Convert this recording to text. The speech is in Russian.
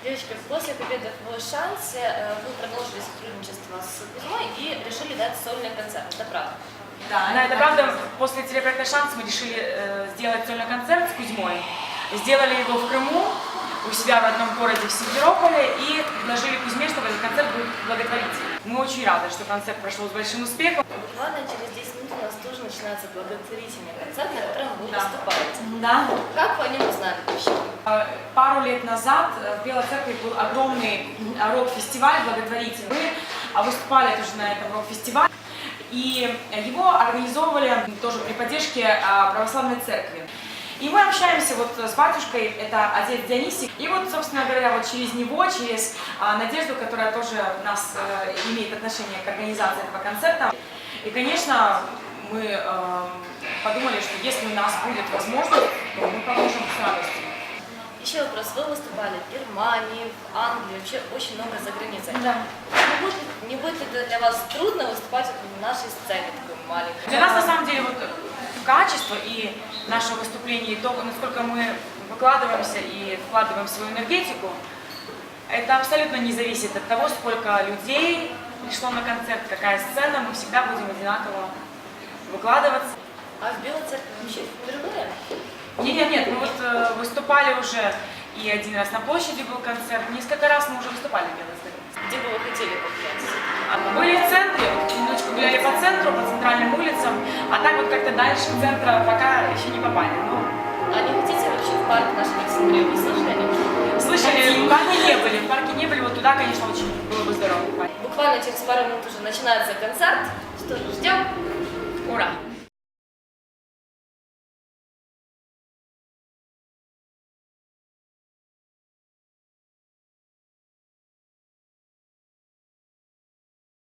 Девочки, после «Победы в шансе» вы продолжили сотрудничество с Кузьмой и решили дать сольный концерт. Это правда? Да, это правда. После телепроекта «Шанс» мы решили сделать сольный концерт с Кузьмой. Сделали его в Крыму, у себя в родном городе в Симферополе, и предложили Кузьме, чтобы этот концерт был благотворительный. Мы очень рады, что концерт прошел с большим успехом. Буквально через 10 минут у нас тоже начинается благотворительный концерт, на котором вы выступаете. Да. Как вы о нем узнали вообще? Пару лет назад в Белой Церкви был огромный рок-фестиваль благотворительный. Мы выступали тоже на этом рок-фестивале. И его организовывали тоже при поддержке Православной Церкви. И мы общаемся вот с батюшкой, это отец Дионисий. И вот, собственно говоря, вот через него, через Надежду, которая тоже у нас имеет отношение к организации этого концерта. И, конечно, мы подумали, что если у нас будет возможность, то мы поможем с радостью. Еще вопрос. Вы выступали в Германии, в Англии, вообще очень много за границей. Да. Не будет ли для вас трудно выступать на нашей сцене такой маленькой? Для нас, на самом деле, вот качество и наше выступление, и то, насколько мы выкладываемся и вкладываем свою энергетику, это абсолютно не зависит от того, сколько людей пришло на концерт, какая сцена, мы всегда будем одинаково выкладываться. А в Белой Церкви вообще впервые? Нет, мы вот выступали уже, и один раз на площади был концерт, несколько раз мы уже выступали в Белой Церкви. Где бы вы хотели погулять? Были в центре, немножечко гуляли по центру, по центральным улицам, а так вот как-то дальше центра пока еще не попали. Но... А не хотите вообще в парк наш Александрия? Вы слышали? Слышали, в парке не были, вот туда, конечно, очень было бы здорово. Буквально через пару минут уже начинается концерт. Что ж, ждем. Ура!